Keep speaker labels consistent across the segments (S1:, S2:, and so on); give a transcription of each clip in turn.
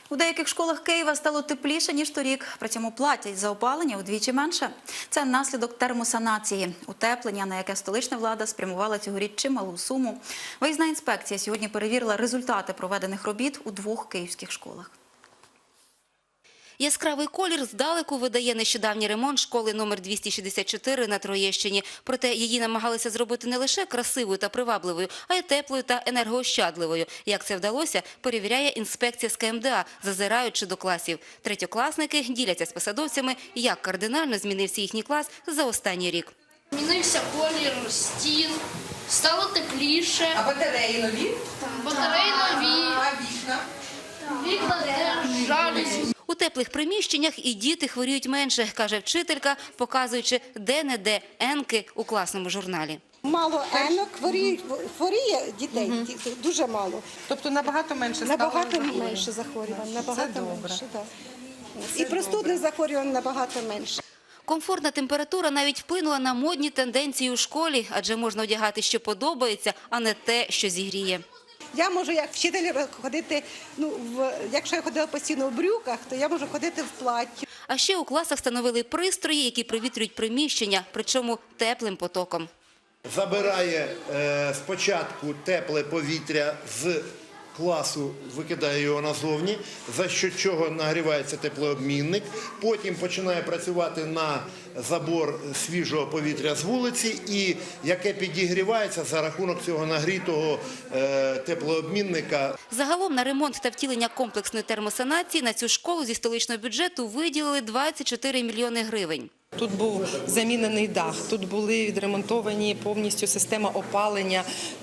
S1: У деяких школах Києва стало тепліше, ніж торік. При цьому платять за опалення удвічі менше. Це наслідок термосанації. Утеплення, на яке столична влада спрямувала цьогоріч чималу суму. Виїзна інспекція сьогодні перевірила результати проведених робіт у 2 київських школах.
S2: Яскравий колір здалеку видає нещодавній ремонт школи номер 264 на Троєщині. Проте її намагалися зробити не лише красивою та привабливою, а й теплою та енергоощадливою. Як це вдалося, перевіряє інспекція з КМДА, зазираючи до класів. Третьокласники діляться з посадовцями, як кардинально змінився їхній клас за останній рік.
S3: Змінився колір стін, стало тепліше.
S4: А батареї нові?
S3: Батареї нові.
S4: А вікна?
S3: Вікна теж жалюзі.
S2: У теплих приміщеннях і діти хворіють менше, каже вчителька, показуючи де-не-де енки у класному журналі.
S5: Мало енок, хворіє дітей, дуже мало.
S4: Тобто набагато менше стало?
S5: Набагато менше захворювань, набагато менше. Так. І простудних захворювань набагато менше.
S2: Комфортна температура навіть вплинула на модні тенденції у школі, адже можна одягати, що подобається, а не те, що зігріє.
S5: Я можу як вчитель ходити, якщо я ходила постійно в брюках, то я можу ходити в платті.
S2: А ще у класах встановили пристрої, які провітрюють приміщення, причому теплим потоком.
S6: Забирає спочатку тепле повітря з класу, викидає його назовні, за що чого нагрівається теплообмінник. Потім починає працювати на забор свіжого повітря з вулиці, і яке підігрівається за рахунок цього нагрітого теплообмінника.
S2: Загалом на ремонт та втілення комплексної термосанації на цю школу зі столичного бюджету виділили 24 мільйони гривень.
S4: Тут був замінений дах, тут були відремонтовані повністю система опалення,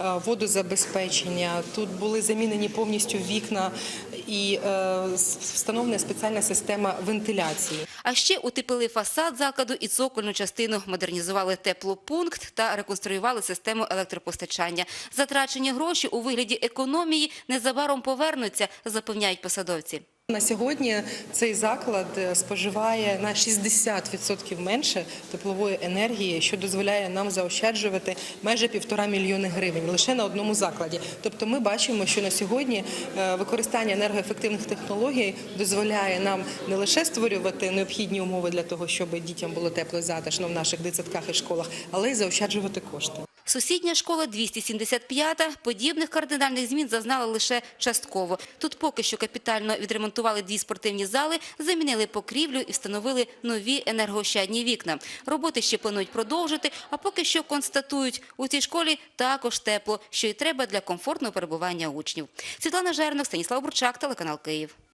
S4: водозабезпечення, тут були замінені повністю вікна і встановлена спеціальна система вентиляції.
S2: А ще утеплили фасад закладу і цокольну частину, модернізували теплопункт та реконструювали систему електропостачання. Затрачені гроші у вигляді економії незабаром повернуться, запевняють посадовці.
S4: На сьогодні цей заклад споживає на 60% менше теплової енергії, що дозволяє нам заощаджувати майже 1,5 мільйони гривень лише на одному закладі. Тобто ми бачимо, що на сьогодні використання енергоефективних технологій дозволяє нам не лише створювати необхідні умови для того, щоб дітям було тепло і затишно в наших дитсадках і школах, але й заощаджувати кошти.
S2: Сусідня школа 275-та подібних кардинальних змін зазнала лише частково. Тут поки що капітально відремонтували 2 спортивні зали, замінили покрівлю і встановили нові енергоощадні вікна. Роботи ще планують продовжити, а поки що констатують, у цій школі також тепло, що й треба для комфортного перебування учнів. Світлана Жернок, Станіслав Бурчак, телеканал Київ.